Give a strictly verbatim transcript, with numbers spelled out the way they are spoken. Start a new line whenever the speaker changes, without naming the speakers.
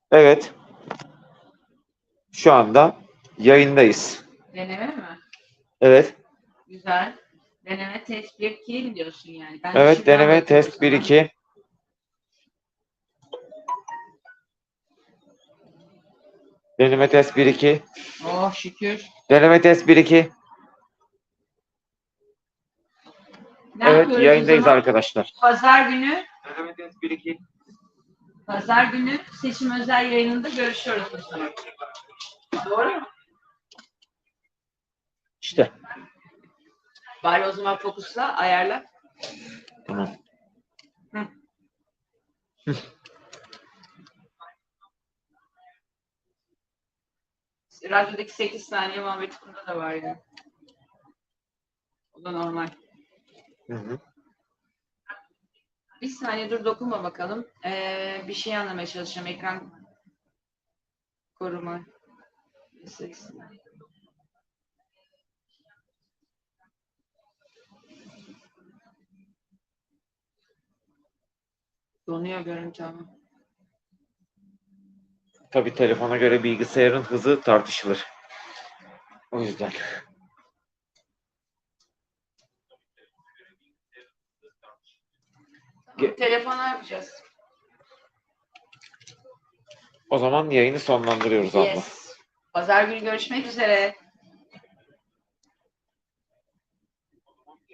Evet. Şu anda yayındayız.
Deneme mi?
Evet.
Güzel. Deneme test bir iki mi diyorsun yani? Ben
Evet,
şimdiden
deneme
bakıyorum
test bir
sana.
iki. Deneme test bir iki.
Oh şükür.
Deneme test bir iki.
Ne
Evet,
yapıyoruz o
yayındayız
zaman?
arkadaşlar.
Pazar günü,
Deneme test bir iki.
pazar günü seçim özel yayınında görüşüyoruz o zaman. Doğru mu?
İşte.
Bari o zaman fokusla, ayarla.
Tamam.
Hı. Radyodaki sekiz saniye muhabbeti burada da var yani. O da normal.
Hı hı.
Bir saniye dur, dokunma bakalım. Ee, bir şey anlamaya çalışacağım. Ekran koruma. Donuyor görüntü ama.
Tabii telefona göre bilgisayarın hızı tartışılır. O yüzden. Ge-
Telefona yapacağız.
O zaman yayını sonlandırıyoruz abla.
Yes. Pazar günü görüşmek üzere.